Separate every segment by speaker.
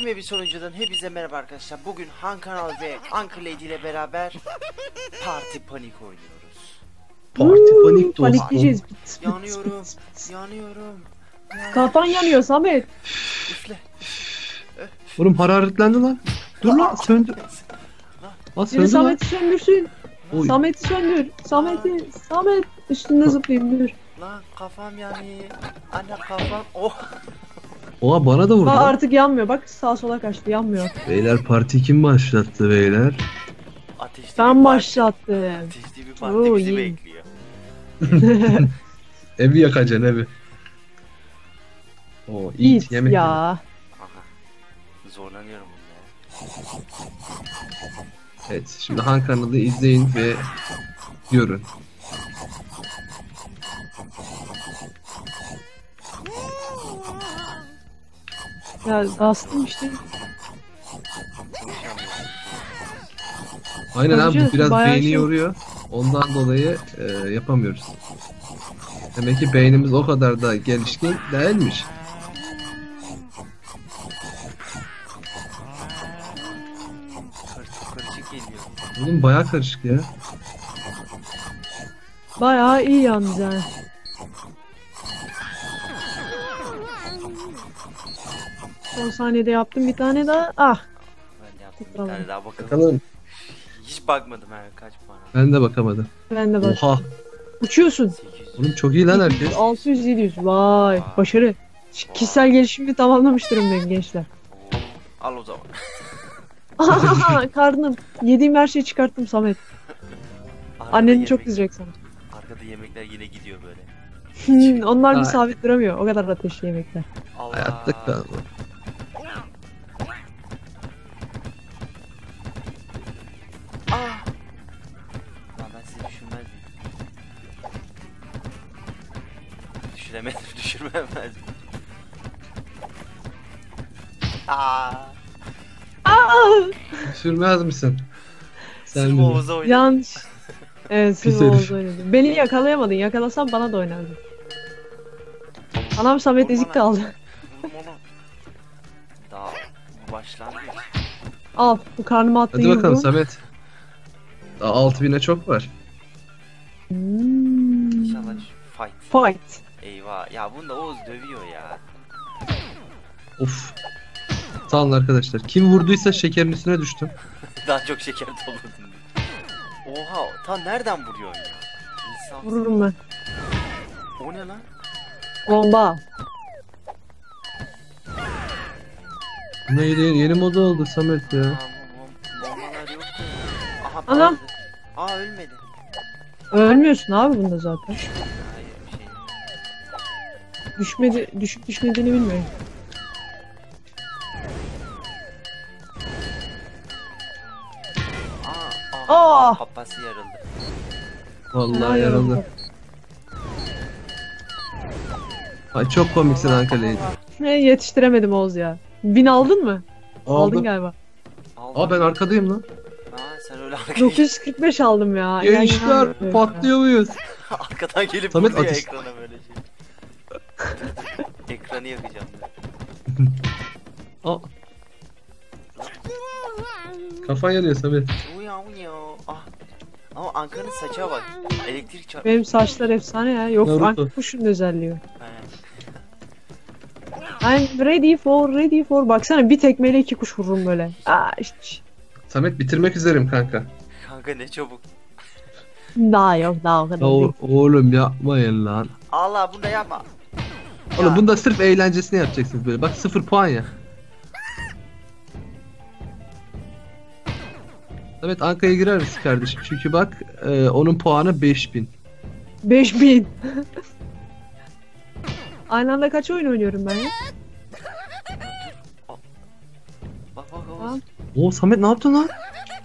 Speaker 1: Yepyeni bir sonucudan hepinize merhaba arkadaşlar. Bugün Han Kanal ve Anchor Lady ile beraber Parti Panik oynuyoruz.
Speaker 2: Parti panik dostum.
Speaker 3: Panikleyeceğiz.
Speaker 1: Yanıyorum, yanıyorum.
Speaker 3: Kafan yanıyor Samet.
Speaker 1: Üfle.
Speaker 2: Oğlum hararetlendi lan. Dur lan söndür. Lan
Speaker 3: Biri
Speaker 2: söndür lan.
Speaker 3: Samet'i söndürsün.
Speaker 2: Oy.
Speaker 3: Samet'i söndür. Samet üstünde zıplayayım dur.
Speaker 1: Lan kafam yanıyor. Anne kafam. Oh.
Speaker 2: Oha bana da vurdu.
Speaker 3: Bak
Speaker 2: lan.
Speaker 3: artık yanmıyor. Bak sağa sola kaçtı yanmıyor.
Speaker 2: Beyler parti kim başlattı beyler?
Speaker 1: Ateşli bir
Speaker 3: Ben
Speaker 1: parti.
Speaker 3: başlattım.
Speaker 1: Ateşli bir parti
Speaker 3: Oo,
Speaker 1: bizi
Speaker 3: iyi.
Speaker 1: bekliyor.
Speaker 2: Evi yakacaksın evi. Oo iyi
Speaker 3: Git
Speaker 2: yemek.
Speaker 3: ya.
Speaker 1: Aha. Zorlanıyorum bunda.
Speaker 2: Evet şimdi Han kanalı izleyin ve görün.
Speaker 3: Ya bastım işte.
Speaker 2: Aynen abi bu
Speaker 3: Konuşuyoruz,
Speaker 2: biraz
Speaker 3: bayağı
Speaker 2: beyni
Speaker 3: şey-
Speaker 2: yoruyor. Ondan dolayı yapamıyoruz. Demek ki beynimiz o kadar da gelişkin değilmiş.
Speaker 1: Karışık geliyor.
Speaker 2: Oğlum bayağı karışık ya.
Speaker 3: Bayağı iyi yalnız yani. Son saniyede yaptım bir tane daha. Ah.
Speaker 1: Ben yaptım bir
Speaker 3: Tamam.
Speaker 1: tane daha bakalım.
Speaker 2: Bakalım.
Speaker 1: Hiç bakmadım ha kaç puan.
Speaker 2: Ben de bakamadım.
Speaker 3: Ben de bak.
Speaker 2: Oha.
Speaker 3: Uçuyorsun.
Speaker 1: 800.
Speaker 2: Oğlum çok iyi lan herkes.
Speaker 3: 600 700. Vay başarı. Kişisel gelişimi tamamlamış durumdayım gençler.
Speaker 1: Oo, al o zaman.
Speaker 3: Karnım. Yediğim her şeyi çıkarttım Samet.
Speaker 1: Arkada
Speaker 3: Annen
Speaker 1: yemek-
Speaker 3: çok kızacak sana.
Speaker 1: Arkada yemekler yine gidiyor böyle.
Speaker 3: Onlar bir
Speaker 2: Ay.
Speaker 3: sabit duramıyor. O kadar ateşli yemekler.
Speaker 1: Allah.
Speaker 2: Hayatta kalma.
Speaker 1: Ah. Lan ben sizi düşürmezdim. Düşüremedim, düşürmemezdim. Aa.
Speaker 2: Sürmez misin? Sen
Speaker 1: Sırf
Speaker 2: de.
Speaker 1: Oğuz'a oynadım.
Speaker 3: Yanlış. Evet
Speaker 2: Pis
Speaker 3: sırf
Speaker 2: herif.
Speaker 3: Oğuz oynadı. Beni yakalayamadın. Yakalasan bana da oynardın. Anam Samet ezik kaldı.
Speaker 1: Vurdum onu. Daha bu başlangıç.
Speaker 3: Al bu karnıma attığın
Speaker 2: Hadi bakalım
Speaker 3: yumruğu.
Speaker 2: Samet. Daha 6000'e çok var.
Speaker 1: İnşallah şu fight.
Speaker 3: Fight.
Speaker 1: Eyvah. Ya bunda Oğuz dövüyor ya.
Speaker 2: Of. Sağ olun arkadaşlar. Kim vurduysa şekerin üstüne düştüm.
Speaker 1: Daha çok şeker doldurdun. Oha, tam nereden vuruyorsun ya? İnsan.
Speaker 3: Vururum ben.
Speaker 1: O ne lan?
Speaker 3: Bomba.
Speaker 2: Neydi? Yeni moda oldu Samet ya.
Speaker 1: Bombalar yok. Aha,
Speaker 3: Anam.
Speaker 1: patladı. Aa, ölmedi.
Speaker 3: Ölmüyorsun abi bunda zaten.
Speaker 1: Hayır, bir şey.
Speaker 3: Düşmedi, düşüp düşmediğini bilmiyorum.
Speaker 1: Aa,
Speaker 3: Aa!
Speaker 1: kafası yarıldı.
Speaker 2: Vallahi
Speaker 3: Ay,
Speaker 2: yarıldı. Ay çok komiksin Ankara'ydı.
Speaker 3: Yetiştiremedim Oğuz ya. 1000 aldın mı? Aldın galiba.
Speaker 1: Aldım.
Speaker 2: Aa ben arkadayım lan.
Speaker 1: Aa, sen öyle arkaya
Speaker 3: 945 aldım ya.
Speaker 2: Gençler patlıyor muyuz?
Speaker 1: arkadan gelip
Speaker 2: Samet
Speaker 1: vuruyor
Speaker 2: ateş-
Speaker 1: ekrana böyle şey. Ekranı yakacağım ben.
Speaker 2: Aa. Kafan yanıyor Samet.
Speaker 1: Uya uya. Ah. Ama Ankara'nın saça bak. Elektrik çarptı.
Speaker 3: Benim saçlar efsane ya. Yok
Speaker 2: Naruto.
Speaker 3: Anka kuşun özelliği.
Speaker 1: He.
Speaker 3: I'm ready for. Baksana bir tekmeyle 2 kuş vururum böyle. Aa işte.
Speaker 2: Samet bitirmek üzerim kanka.
Speaker 1: Kanka ne çabuk.
Speaker 3: Daha yok daha o kadar değil.
Speaker 2: Oğlum yapmayın lan.
Speaker 1: Allah bunu da yapma.
Speaker 2: Oğlum
Speaker 1: Ya.
Speaker 2: bunu da sırf eğlencesine yapacaksınız böyle. Bak 0 puan ya. Samet Anka'ya girer misin kardeşim? Çünkü bak onun puanı 5000.
Speaker 3: 5000. Aynı anda kaç oyun oynuyorum ben ya?
Speaker 1: Bak bak
Speaker 3: Tamam.
Speaker 1: Oğuz.
Speaker 2: Oo Samet ne yaptın lan?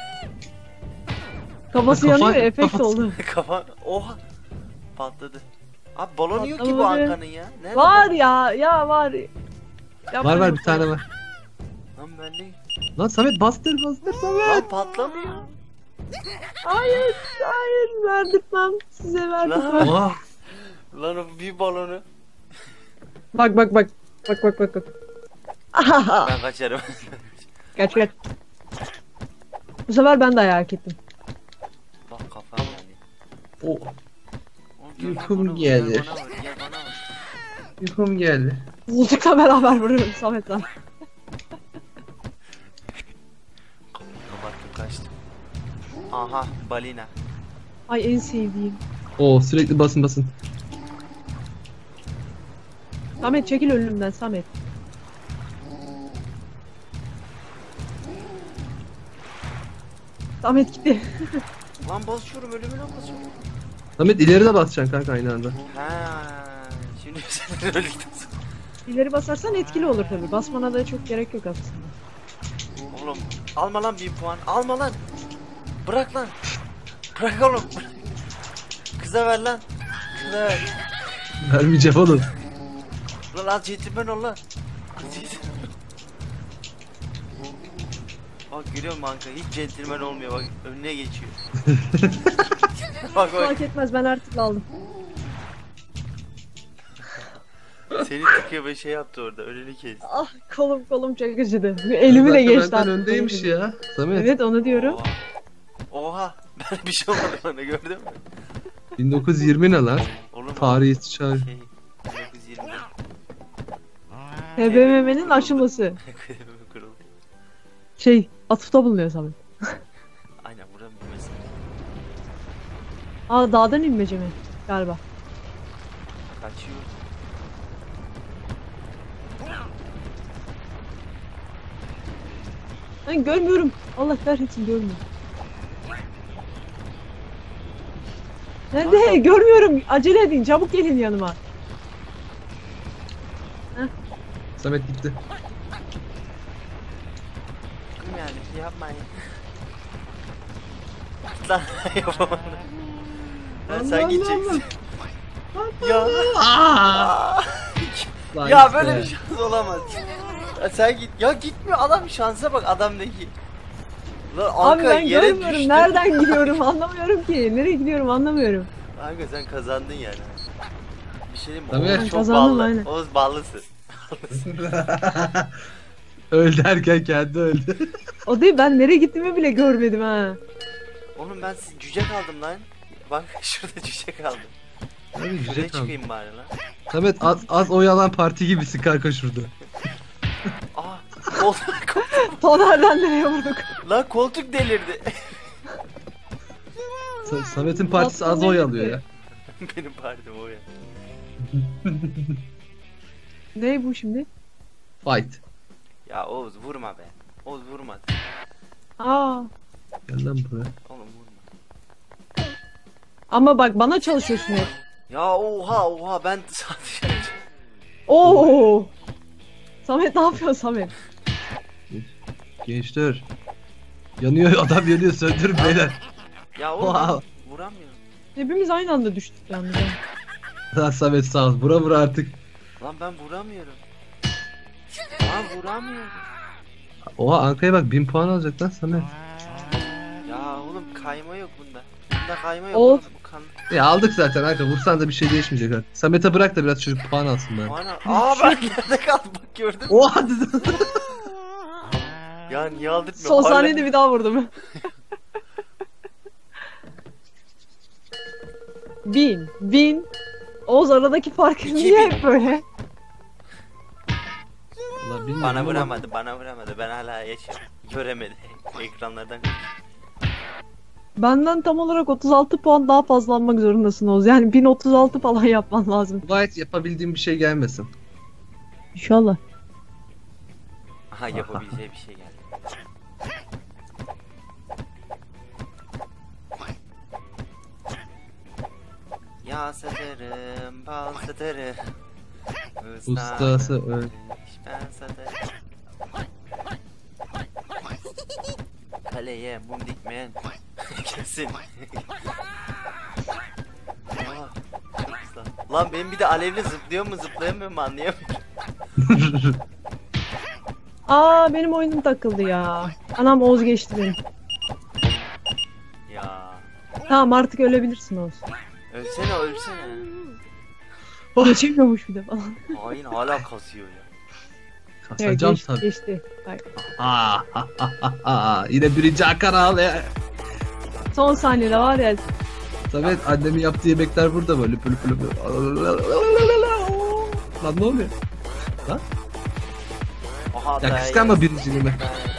Speaker 3: Kafası
Speaker 2: Kafan-
Speaker 3: yanıyor efekt
Speaker 2: kafası-
Speaker 3: oldu.
Speaker 1: Kafa. Oha. Patladı. Abi balonu yok ki bu
Speaker 3: Patlamadı.
Speaker 1: Ankara'nın ya. Nerede
Speaker 3: Var
Speaker 1: balon?
Speaker 3: ya var.
Speaker 2: Var var bir tane var.
Speaker 1: Lan bende.
Speaker 2: Lan Samet bastır Samet.
Speaker 1: Lan patlamıyor.
Speaker 3: Hayır verdirtmem size
Speaker 1: Lan.
Speaker 3: verdirtmem.
Speaker 2: Oha.
Speaker 1: Lan o bir balonu.
Speaker 3: Bak.
Speaker 1: Ben kaçarım.
Speaker 3: Kaç kaç. Bu sefer ben de ayak ettim.
Speaker 1: Bak kafam yani.
Speaker 2: O
Speaker 1: Oğlum, gel
Speaker 2: Uykum
Speaker 1: bana vur,
Speaker 2: geldi.
Speaker 1: Gel bana vur, gel bana vur.
Speaker 2: uykum geldi.
Speaker 3: Koltukla beraber vuruyorum Samet lan.
Speaker 1: Kapattım kaçtım. Aha balina.
Speaker 3: Ay en sevdiğim.
Speaker 2: Oo sürekli basın basın.
Speaker 3: Samet çekil önümden Samet. Samet gitti.
Speaker 1: Lan basıyorum ölümüne basıyorum.
Speaker 2: Samet ileri de basacaksın kanka aynı anda.
Speaker 1: Ha, şimdi sen öldün.
Speaker 3: İleri basarsan etkili olur tabi. Basmana da çok gerek yok aslında.
Speaker 1: Oğlum alma lan 1000 puan. Alma lan. Bırak lan. Bırak oğlum. Kıza ver lan. Kıza ver.
Speaker 2: Vermeyeceğim oğlum.
Speaker 1: Lan al centilmen ol lan. Bak görüyor musun kanka hiç centilmen olmuyor bak önüne geçiyor. Bak bak
Speaker 3: Fark etmez ben artık aldım.
Speaker 1: seni tıkıyor ve şey yaptı orada önünü kesti.
Speaker 3: Ah kolum çok acıdı. Elimi de
Speaker 2: Zaten
Speaker 3: geçti
Speaker 2: benden
Speaker 3: artık.
Speaker 2: öndeymiş ya. Samet.
Speaker 3: Evet onu diyorum.
Speaker 1: Oha. Oha ben bir şey olmadı bana gördün mü?
Speaker 2: 1920 ne lan?
Speaker 1: Oğlum
Speaker 2: Tarihi istişare.
Speaker 1: şey 1920'de
Speaker 3: TBMM'nin aşılması.
Speaker 1: kırıldı.
Speaker 3: Şey atıfta bulunuyor Samet.
Speaker 1: Aynen buranın mesela.
Speaker 3: Aa dağdan inmece mi? Galiba.
Speaker 1: Kaçıyor.
Speaker 3: Ben görmüyorum. Allah kahretsin görmüyorum. Nerede? Görmüyorum. Acele edin. Çabuk gelin yanıma.
Speaker 2: Samet gitti.
Speaker 1: Kim yani yapmayın. Lan yapamadım. Lan sen gideceksin. Ya.
Speaker 2: Lan
Speaker 1: Ya
Speaker 2: işte.
Speaker 1: böyle bir şans olamaz. Ya sen git. Ya gitmiyor adam şansa bak adamdaki. Lan
Speaker 3: Abi
Speaker 1: Anka
Speaker 3: ben
Speaker 1: yere
Speaker 3: görmüyorum.
Speaker 1: düştü.
Speaker 3: Nereden gidiyorum anlamıyorum ki. Nereye gidiyorum anlamıyorum.
Speaker 1: Anka sen kazandın yani. Bir şey diyeyim mi?
Speaker 2: Tabii.
Speaker 1: Oğuz
Speaker 3: Ben
Speaker 1: çok
Speaker 3: kazandım,
Speaker 1: ballı.
Speaker 3: aynen.
Speaker 1: Oğuz ballısın.
Speaker 2: Öldü derken kendi öldü.
Speaker 3: O değil ben nereye gittiğimi bile görmedim ha.
Speaker 1: Oğlum ben cüce kaldım lan. Bak şurada cüce kaldım.
Speaker 2: Abi
Speaker 1: Şuraya
Speaker 2: güzel kaldı.
Speaker 1: çıkayım bari lan.
Speaker 2: Samet az oyalan parti gibisin kanka şurada.
Speaker 1: Aa koltuk.
Speaker 3: Tonerden nereye vurduk?
Speaker 1: Lan koltuk delirdi.
Speaker 2: Samet'in partisi az oy alıyor ya.
Speaker 1: Benim partim o ya.
Speaker 3: Ne bu şimdi?
Speaker 2: Fight.
Speaker 1: Ya Oğuz vurma be. Oğuz vurma.
Speaker 3: Aa.
Speaker 2: Gel lan buraya.
Speaker 1: Oğlum vurma.
Speaker 3: Ama bak bana çalışıyorsun hep.
Speaker 1: Ya oha ben sadece.
Speaker 3: Oo. Samet ne yapıyorsun Samet?
Speaker 2: Gençler. Yanıyor adam yanıyor söndürün beyler.
Speaker 1: Ya oğlum
Speaker 2: Oha.
Speaker 1: ben vuramıyorum.
Speaker 3: Hepimiz aynı anda düştük yalnız. ha.
Speaker 2: Lan Samet sağ ol. Vura artık.
Speaker 1: Lan ben vuramıyorum. Lan vuramıyorum.
Speaker 2: Oha Anka'ya bak 1000 puan alacak lan Samet.
Speaker 1: Ya oğlum kayma yok bunda. Bunda kayma yok.
Speaker 3: Of.
Speaker 1: Oğlum, bu kan.
Speaker 2: Ya aldık zaten Anka vursan da bir şey değişmeyecek artık. Samet'e bırak da biraz çocuk puan alsın ben.
Speaker 1: Ana. Aa ben nerede kaldım bak gördün mü?
Speaker 2: Oha
Speaker 1: Ya niye aldırtmıyor?
Speaker 3: Son
Speaker 1: Hala-
Speaker 3: saniyede bir daha vurdum. 1000. Oğuz aradaki fark
Speaker 1: 2000.
Speaker 3: niye hep böyle?
Speaker 2: Ulan bilmiyorum
Speaker 1: Bana
Speaker 2: ama-
Speaker 1: vuramadı. Ben hala yaşıyorum. Göremedi. Ekranlardan.
Speaker 3: Benden tam olarak 36 puan daha fazla almak zorundasın Oğuz. Yani 1036 falan yapman lazım.
Speaker 2: Gayet yapabildiğim bir şey gelmesin.
Speaker 3: İnşallah.
Speaker 1: Aha yapabileceği bir şey geldi. Ya satarım, bal satarım.
Speaker 2: Ustası öyle.
Speaker 1: Ben satarım. Kaleye mum dikmeyen. Kesin. Aa, çok güzel. Lan benim bir de alevli zıplıyor mu zıplayamıyor mu anlayamıyorum.
Speaker 3: Aa benim oyunum takıldı ya. Anam Oğuz geçti beni.
Speaker 1: Ya.
Speaker 3: Tamam artık ölebilirsin Oğuz.
Speaker 1: Ölsene.
Speaker 3: Geçemiyormuş bir de falan.
Speaker 1: Hain hala kasıyor ya.
Speaker 2: Kasacağım
Speaker 3: geçti,
Speaker 2: tabii.
Speaker 3: geçti. Hayır.
Speaker 2: Yine birinci Hakan abi.
Speaker 3: Son saniyede var ya.
Speaker 2: Samet annemin yaptığı yemekler burada böyle lüpü lüpü lüpü. Lan ne oluyor? Lan?
Speaker 1: Aha
Speaker 2: Ya
Speaker 1: da
Speaker 2: kıskanma birinciliğimi.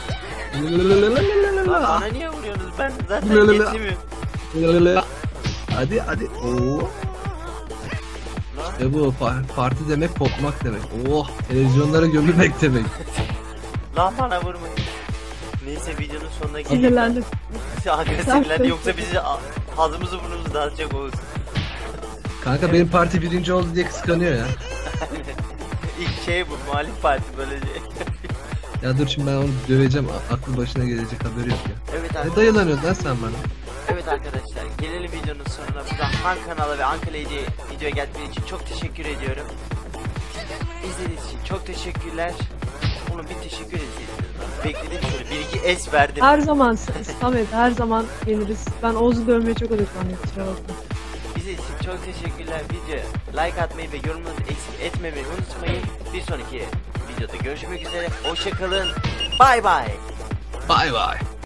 Speaker 1: Lan bana niye vuruyorsunuz? Ben zaten
Speaker 2: Lelele.
Speaker 1: getirmiyorum.
Speaker 2: Hadi hadi. Oo.
Speaker 1: Lan.
Speaker 2: İşte bu parti demek kopmak demek. Oh televizyonlara gömülmek demek.
Speaker 1: Lan bana vurmayın. Neyse videonun sonuna geleyim.
Speaker 3: Sinirlendim.
Speaker 1: Agresiflendi yoksa bizi ağzımızı burnumuzu dağıtacak Oğuz.
Speaker 2: Kanka benim parti birinci oldu diye kıskanıyor ya.
Speaker 1: İlk şey bu muhalif parti böylece.
Speaker 2: Ya dur şimdi ben onu döveceğim. Aklı başına gelecek haberi yok ya.
Speaker 1: Evet
Speaker 2: Ne
Speaker 1: arkadaşlar.
Speaker 2: dayılanıyorsun lan sen bana?
Speaker 1: Evet arkadaşlar. Gelelim videonun sonuna. Buradan Han kanala ve Ankara'yı videoya geldiğiniz için çok teşekkür ediyorum. İzlediğiniz için çok teşekkürler. Oğlum bir teşekkür edeceğiz. Beklediğim şöyle bir iki es verdim.
Speaker 3: Her zaman Samet her zaman geliriz. Ben Oğuz'u dövmeye çok odaklanıyorum. Kusura bakma.
Speaker 1: İzlediğiniz için çok teşekkürler. Videoya like atmayı ve yorumlarınızı eksik etmemeyi unutmayın. Bir sonraki videoda görüşmek üzere. Hoşçakalın. Bay bay.
Speaker 2: Bay bay.